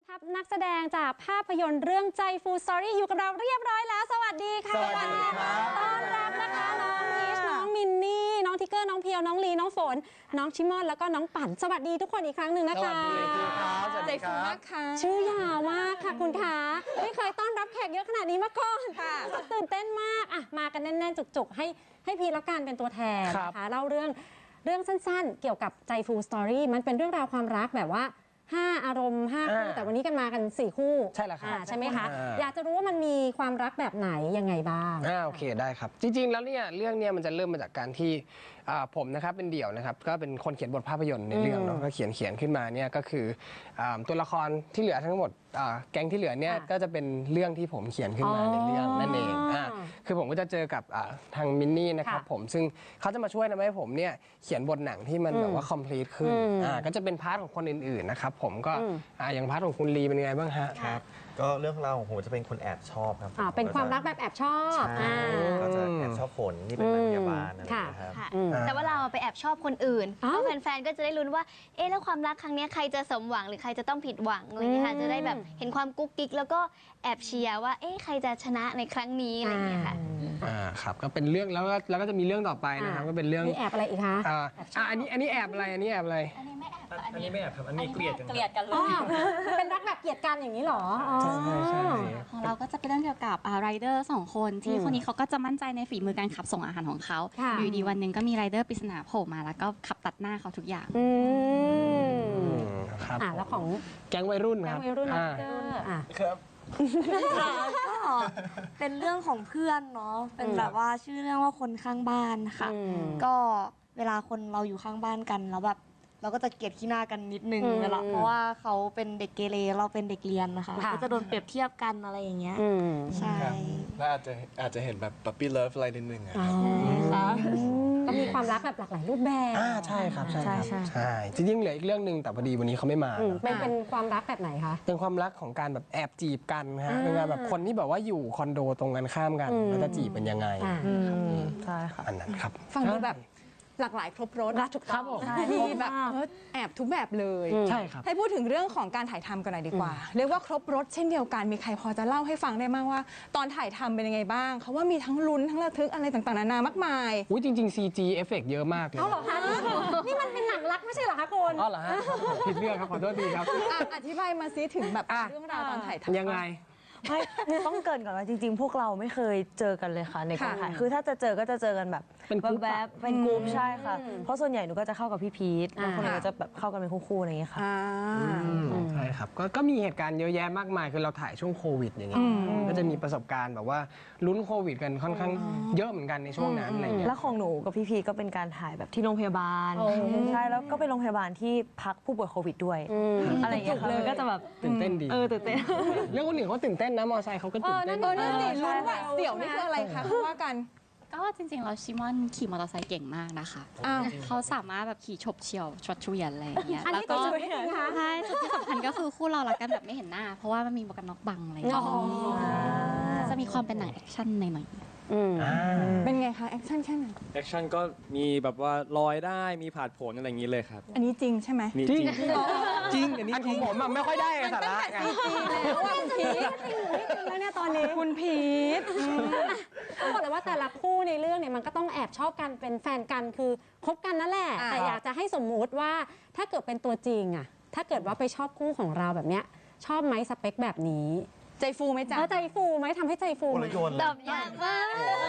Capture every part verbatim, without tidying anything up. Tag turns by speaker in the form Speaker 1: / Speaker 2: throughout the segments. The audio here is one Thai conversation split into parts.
Speaker 1: ทัพนักแสดงจากภาพยนตร์เรื่องใจฟูสตอรี่อยู่กับเราเรียบร้อยแล้วสวัสดีค่ะ
Speaker 2: สวัสดีครับ
Speaker 1: ต้อนรับนะคะน้องพีชน้องมินนี่น้องทิกเกอร์น้องเพียวน้องลีน้องฝนน้องชิมอนแล้วก็น้องปั่นสวัสดีทุกคนอีกครั้งหนึ่งนะคะ
Speaker 2: สวัสดีครับสวัสดีครับ
Speaker 1: ชื่อยาวมากค่ะคุณคะไม่เคยต้อนรับแขกเยอะขนาดนี้มาก่อนค่ะตื่นเต้นมากอ่ะมากันแน่นๆจุกๆให้ให้พีชแล้วกันเป็นตัวแทนนะคะเล่าเรื่องเรื่องสั้นๆเกี่ยวกับใจฟูสตอรี่มันเป็นเรื่องราวความรักแบบว่าห้าอารมณ์ห้าคู่แต่วันนี้กันมากันสี่คู่
Speaker 2: ใช่แล้วครับ
Speaker 1: ใช่ไหมคะอยากจะรู้ว่ามันมีความรักแบบไหนยังไงบ้าง
Speaker 2: อ่าโอเคได้ครับจริงๆแล้วเนี่ยเรื่องเนี้ยมันจะเริ่มมาจากการที่ผมนะครับเป็นเดี่ยวนะครับก็เป็นคนเขียนบทภาพยนตร์ในเรื่องเนาะก็เขียนเขียนขึ้นมาเนี่ยก็คือตัวละครที่เหลือทั้งหมดแก๊งที่เหลือเนี่ยก็จะเป็นเรื่องที่ผมเขียนขึ้นมาในเรื่องนั่นเองอ่าคือผมก็จะเจอกับทางมินนี่นะครับผมซึ่งเขาจะมาช่วยทำให้ผมเนี่ยเขียนบทหนังที่มันแบบว่า complete ขึ้นอ่าก็จะเป็นพาร์ทของคนอื่นๆนะครับผมก็อย่างพาร์ทของคุณลีเป็นยังไงบ้างฮะ
Speaker 3: ครับก็เรื่องราวของผมจะเป็นคนแอบชอบครับ
Speaker 1: อ่าเป็นความรักแบบแอบชอบ
Speaker 3: ก็จะแอบชอบฝนนี่เป็นนางพยาบาลนะครับ
Speaker 4: แต่ว่าเราไปแอบชอบคนอื่นแล้วแฟนๆก็จะได้ลุ้นว่าเอ๊ะแล้วความรักครั้งนี้ใครจะสมหวังหรือใครจะต้องผิดหวังอะไรอย่างเงี้ยค่ะจะได้แบบเห็นความกุ๊กกิ๊กแล้วก็แอบเชียร์ว่าเอ๊ะใครจะชนะในครั้งนี้อะไรอย่างเงี้ยค่ะ
Speaker 2: อ่าครับก็เป็นเรื่องแล้วก็แล้วก็จะมีเรื่องต่อไปนะครับก็เป็นเรื่อง
Speaker 1: แอบอะไรอีกคะ
Speaker 2: อ่าอันนี้อันนี้แอบอะไรอันนี้แอบอะไร
Speaker 4: อันนี้ไม่แอบ
Speaker 3: อันนี้ไม่แอบครับอันนี้เกลียดกัน
Speaker 4: เกลียดกันเลย
Speaker 1: เป็นรักแบบเกลียดกันอย่างนี้หรอ
Speaker 2: ใช่ใช่
Speaker 5: ของเราก็จะเป็นเรื่องเกี่ยวกับไรเดอร์สองคนที่คนนี้เขาก็จะมั่นใจในฝีมือการขับส่งอาหารของเขาอยู่ดีวันหนึ่งก็มีไรเดอร์ปริศนาโผล่มาแล้วก็ขับตัดหน้าเขาทุกอย่าง
Speaker 1: อืม
Speaker 2: ครับ
Speaker 1: อ่าแล้วของ
Speaker 2: แก๊งวัยรุ่นครับ
Speaker 1: แก๊งวัยรุ่นอ่า
Speaker 2: ครับ
Speaker 6: ก็เป็นเรื่องของเพื่อนเนาะเป็นแบบว่าชื่อเรื่องว่าคนข้างบ้านค่ะก็เวลาคนเราอยู่ข้างบ้านกันแล้วแบบเราก็จะเกลียดขี้หน้ากันนิดนึงเวลาเพราะว่าเขาเป็นเด็กเกเรเราเป็นเด็กเรียนนะคะก็จะโดนเปรียบเทียบกันอะไรอย่างเงี้ยใช่
Speaker 3: แล้วอาจจะอาจจะเห็นแบบปั๊ปปี้เลิฟอะไรนิดนึงอะ
Speaker 1: ก็มีความรักแบบหลากหลายรูปแบบ
Speaker 2: อ่าใช่ครับใช่ครับใช่จริงๆเหลืออีกเรื่องหนึ่งแต่พอดีวันนี้เขาไม่มา
Speaker 1: เป็นเป็นความรักแบบไหนคะ
Speaker 2: เป็นความรักของการแบบแอบจีบกันฮะเป็นการแบบคนที่แบบว่าอยู่คอนโดตรงกันข้ามกันแล้วจะจีบเป็นยังไง
Speaker 6: ใช่ค่ะ
Speaker 2: อันนั้นครับ
Speaker 7: ฟังดูแบบหลากหลายครบรส
Speaker 1: ถูกต้อง
Speaker 7: มีแบบแอบทุกแบบเลย
Speaker 2: ใช่ครับ
Speaker 7: ให้พูดถึงเรื่องของการถ่ายทำกันหน่อยดีกว่าเรียกว่าครบรสเช่นเดียวกันมีใครพอจะเล่าให้ฟังได้บ้างว่าตอนถ่ายทำเป็นยังไงบ้างเขาว่ามีทั้งลุ้นทั้งระทึกอะไรต่างๆนานามากมาย
Speaker 2: อุ้ยจริงๆ ซี จี เอฟเฟกต์เยอะมากเลย
Speaker 1: เอาเหรอคะนี่มันเป็นหนังรักไม่ใช่เหรอคะคุณ
Speaker 2: อ๋อเหรอฮะผิดเรื่องครับขอโทษทีครับ
Speaker 7: อธิบายมาซิถึงแบบเรื่องราวตอนถ่ายทำ
Speaker 2: ยังไง
Speaker 6: ไม่ต้องเกินก่อนว่าจริงๆพวกเราไม่เคยเจอกันเลยค่ะในกองถ่ายคือถ้าจะเจอก็จะเจอกันแบบ
Speaker 2: เป็นกลุ่ม
Speaker 6: แบบเป็นกลุ่มใช่ค่ะเพราะส่วนใหญ่หนูก็จะเข้ากับพี่พีทแล้วคนอื่นก็จะแบบเข้ากันเป็นคู่ๆอะไรอย่างเงี้ยค่ะ
Speaker 2: ใช่ครับก็มีเหตุการณ์เยอะแยะมากมายคือเราถ่ายช่วงโควิดอย่างเงี้ยก็จะมีประสบการณ์แบบว่าลุ้นโควิดกันค่อนข้างเยอะเหมือนกันในช่วงนั้นอะไรเงี้ย
Speaker 6: แล้วของหนูกับพี่พีทก็เป็นการถ่ายแบบที่โรงพยาบาลใช่แล้วก็เป็นโรงพยาบาลที่พักผู้ป่วยโควิดด้วยอะไรอย่างเงี้ยค่ะมันก็จะแบบ
Speaker 2: ตื่นเต้นดี
Speaker 6: เออตื่นเต้น
Speaker 2: เรื่องคนอื่นเขาตื่นเต้นนะมอไซค์เขาก็ตื่นเต้น
Speaker 7: เออนั่นสิลุ้นว่าเสี่ยวนี่คืออะไรคะเขาว่ากัน
Speaker 5: ก็จริงๆเราชิมอนขี่มอเตอร์ไซค์เก่งมากนะคะเขาสามารถแบบขี่ฉบเฉี่ยวชดเฉวียนอะไรอย่างเงี้ย
Speaker 1: แล้วก็
Speaker 5: ใช่จุดที่สำคัญก็คือคู่เรารักกันแบบไม่เห็นหน้าเพราะว่ามันมีหมวกกันน็อกบังอะไรอย่างเงี้ยจะมีความเป็นหนังแอคชั่นหน่อย
Speaker 7: เป็นไงคะแอคชั่นแค่ไหน
Speaker 3: แอคชั่นก็มีแบบว่าลอยได้มีผาดโผนอะไรอย่างนี้เลยครับ
Speaker 7: อันนี้จริงใช่ไหม
Speaker 2: จริงจริงอันนี้ของผมไม่ค่อยได้สาระ
Speaker 7: ไงจริงแล้วว่าคุณพีท
Speaker 1: จริงแล้วเนี่ยตอนนี้
Speaker 7: คุณพีท
Speaker 1: ต้องบอกเลยว่าแต่ละคู่ในเรื่องเนี่ยมันก็ต้องแอบชอบกันเป็นแฟนกันคือคบกันนั่นแหละแต่อยากจะให้สมมุติว่าถ้าเกิดเป็นตัวจริงอะถ้าเกิดว่าไปชอบคู่ของเราแบบเนี้ยชอบไหมสเปคแบบนี้
Speaker 7: ใจฟูไหมจ๊ะ
Speaker 1: ใจฟูไหมทำให้ใจฟูไหม
Speaker 4: ตอบยากมาก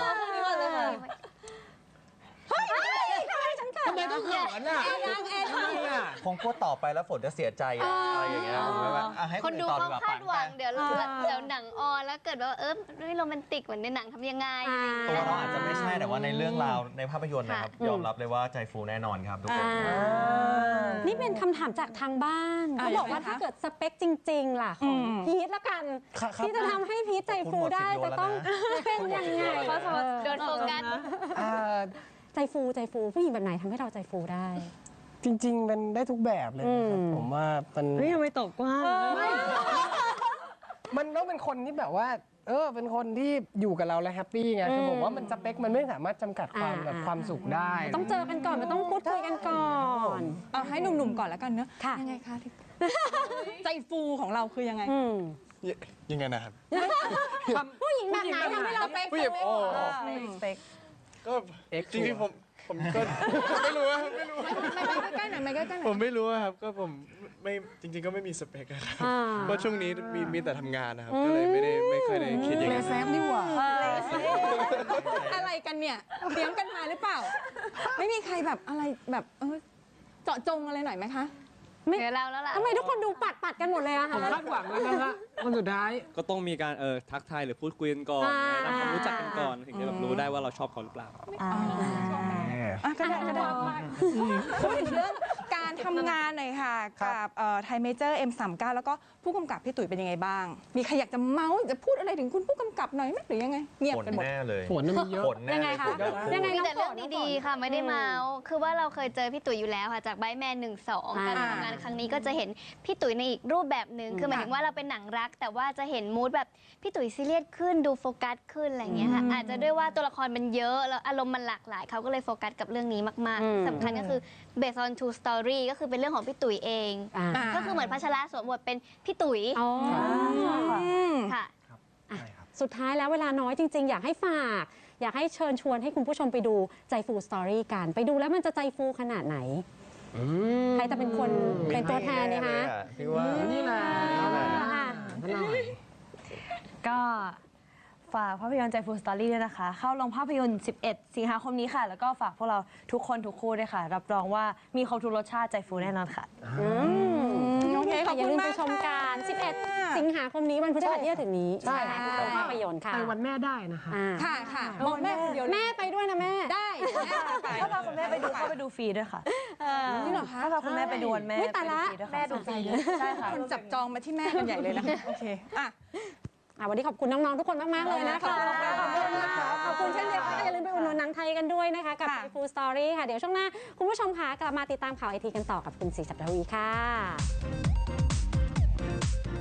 Speaker 2: ทำไมต้องเขินอ่ะ
Speaker 3: คงพูดต่อไปแล้วฝนจะเสียใจอะไรอย่างเงี้ย
Speaker 4: คนดูเขาคาดหวังเดี๋ยวเดี๋ยวหนังออนแล้วเกิดว่าเออไม่โรแมนติกเหมือนในหนังทำยังไง
Speaker 3: ตัวเราอาจจะไม่ใช่แต่ว่าในเรื่องราวในภาพยนตร์นะครับยอมรับเลยว่าใจฟูแน่นอนครับทุกคน
Speaker 1: นี่เป็นคำถามจากทางบ้านเขาบอกว่าถ้าเกิดสเปคจริงๆล่ะของพีทละกันที่จะทำให้พีทใจฟูได้จะต้องเป็นยังไง
Speaker 4: โดนโฟกัส
Speaker 1: ใจฟูใจฟูผู้หญิงแบบไหนทำให้เราใจฟูได้
Speaker 2: จริงๆมันได้ทุกแบบเลยครับผมว่ามัน
Speaker 6: เฮ้ยทำไมตกกว้าง
Speaker 2: มันต้องเป็นคนที่แบบว่าเออเป็นคนที่อยู่กับเราแล้วแฮปปี้ไงคือผมว่ามันสเปคมันไม่สามารถจำกัดความแบบความสุขได้
Speaker 1: ต้องเจอกันก่อนมันต้องพูดคุยกันก่อน
Speaker 7: เอาให้หนุ่มๆก่อนแล้วกันเนอะ
Speaker 1: ค่ะ
Speaker 7: ยังไงคะที่ ใจฟูของเราคือยังไง
Speaker 1: อืม
Speaker 8: ยยังไงนะครับ
Speaker 1: ผู้หญิงแบบไหนทำให้เราเป็น
Speaker 8: ผู้หญิงโอ้
Speaker 6: สเปค
Speaker 8: ก็
Speaker 2: เอ็กซ์
Speaker 8: จริงๆผมผมก็ไม่รู้อะไม่รู้
Speaker 7: ใกล้ๆหน่อยไหมใกล้ๆหน่อย
Speaker 8: ผมไม่รู้อะครับก็ผมไม่จริง ๆ ก็ไม่มีสเปคอะครับ
Speaker 1: อ่า
Speaker 8: เพราะช่วงนี้มีมีแต่ทำงานนะครับ ก็เลยไม่ได้ไม่เคยได้คิดอย่างนั้น
Speaker 7: อะไรกันเนี่ยเตรียมกันมาหรือเปล่า ไม่มีใครแบบอะไรแบบเออเจาะจงอะไรหน่อยไหมคะ
Speaker 1: ไม่
Speaker 4: เดี๋ยวเราแล้วล่ะ
Speaker 1: ทำไมทุกคนดูปัดปัดๆกันหมดเลยอะ
Speaker 2: ผม
Speaker 1: คะ
Speaker 2: คาดหวังแล้วนะฮะคนสุดท้าย
Speaker 9: ก็ต้องมีการเออทักทายหรือพูดคุยกันก่อน
Speaker 1: อ่า
Speaker 9: แนะนำความรู้จักกันก่อนถึงจะแบบรู้ได้ว่าเราชอบเขาหรือเปล่า
Speaker 7: อ่ะก็ได้ก็ได้พูดถึงเรื่องการทำงานหน่อยค่ะ กับไทยเมเจอร์ เอ็ม สามสิบเก้า แล้วก็ผู้กำกับพี่ตุ๋ยเป็นยังไงบ้าง มีใครอยากจะเมาส์จะพูดอะไรถึงคุณผู้กำกับหน่อยไหมหรือยังไง เงียบ
Speaker 3: ผล
Speaker 7: กันหมด
Speaker 3: แน่เลย
Speaker 2: ผลน่ะมีเยอะ
Speaker 3: ผลแน่
Speaker 1: ยังไง
Speaker 3: เลย
Speaker 1: คะ
Speaker 3: ผลทั้งคู่
Speaker 1: ยังไง
Speaker 4: มี
Speaker 1: น้อง
Speaker 4: แต่เรื่อง
Speaker 1: ฝน
Speaker 4: ดีๆค่ะ ไม่ได้เมาส์คือว่าเราเคยเจอพี่ตุ๋ยอยู่แล้วค่ะจากไบแมนหนึ่งสอง
Speaker 1: อ่า
Speaker 4: การทำงานครั้งนี้ก็จะเห็นพี่ตุ๋ยในอีกรูปแบบหนึ่งคือหมายถึงว่าเราเป็นหนังรัก แต่ว่าจะเห็นมูดแบบพี่ตุ๋ยซีเรียสขึ้นดูโฟกัสขึ้นอะไรอย่างเงี้ยค่ะอาจจะด้วยว่าตัวละครมันเยอะแล้วอารมณ์มันหลากหลายเขาก็เลยโฟกัสกับเรื่องนี้มาก
Speaker 1: อืม
Speaker 4: ๆสำคัญก็คือ based on true story ก็คือเป็นเรื่องของพี่ตุ๋ยเอง
Speaker 1: อ่า
Speaker 4: ก็คือเหมือนพัชระสวมบทเป็นพี่ตุ๋ย
Speaker 1: อ๋อ
Speaker 4: ค่ะ
Speaker 1: สุดท้ายแล้วเวลาน้อยจริง ๆ อยากให้ฝาก อยากให้เชิญชวนให้คุณผู้ชมไปดูใจฟูสตอรี่กัน ไปดูแล้วมันจะใจฟูขนาดไหน ใครจะเป็นคนเป็นตัวแทนเนี่ยคะ
Speaker 3: พี่ว่า
Speaker 2: นี่แหละ
Speaker 1: อ่ะ
Speaker 2: ท่านหน่อย
Speaker 6: ก็ฝากภาพยนตร์ใจฟูสตอรี่ด้วยนะคะ เข้าโรงภาพยนตร์ สิบเอ็ด สิงหาคมนี้ค่ะ แล้วก็ฝากพวกเราทุกคนทุกคู่ด้วยค่ะ รับรองว่ามีครบทุกรสชาติใจฟูแน่นอนค่ะ
Speaker 1: อืม
Speaker 7: โอเคขอบ
Speaker 1: อย่า
Speaker 7: คุ
Speaker 1: ลื
Speaker 7: ณ
Speaker 1: ม
Speaker 7: มา
Speaker 1: ไป
Speaker 7: ก
Speaker 1: ชมกัน
Speaker 7: ค่ะ
Speaker 1: สิบเอ็ด สิงหาคมนี้วันพฤหัสที่จะถึงนี้
Speaker 2: ใช่
Speaker 1: นะคะทุกโรงภาพยนตร์ค่ะ
Speaker 2: ไปวันแม่ได้นะคะ
Speaker 1: อ่า
Speaker 7: ค่ะค่ะบอกแม่คนเดียวเลย
Speaker 1: แม่ไปด้วยนะแม่
Speaker 7: ได้แม่ไป
Speaker 6: ถ้าพาคุณแม่ไปดูเข้าไปดูฟรีด้วยค่ะ
Speaker 7: จริงเหรอคะ
Speaker 6: ถ้าพาคุณแม่ไปดูวันแม่
Speaker 1: อุ๊ยตายละ
Speaker 6: ไปดูฟรีด้วยค่ะแม่ดูฟรีใช่ค่ะ
Speaker 7: คนจับจองมาที่แม่กันใหญ่เลยนะคะโอเคอ่ะ
Speaker 1: อ่ะวันนี้ขอบคุณน้อง ๆ ทุกคนมาก ๆ เลยนะคะ
Speaker 7: ขอบคุณค่ะ
Speaker 1: ขอบคุณเช่นเดียวกันอย่าลืมไปอุดหนุนหนังไทยกันด้วยนะคะ กับ
Speaker 7: ค่ะ
Speaker 1: ไทยฟูสตอรี่ค่ะ เดี๋ยวช่วงหน้า คุณผู้ชมค่ะกลับมาติดตามข่าวไอทีกันต่อกับคุณศรีสัปดาวีค่ะ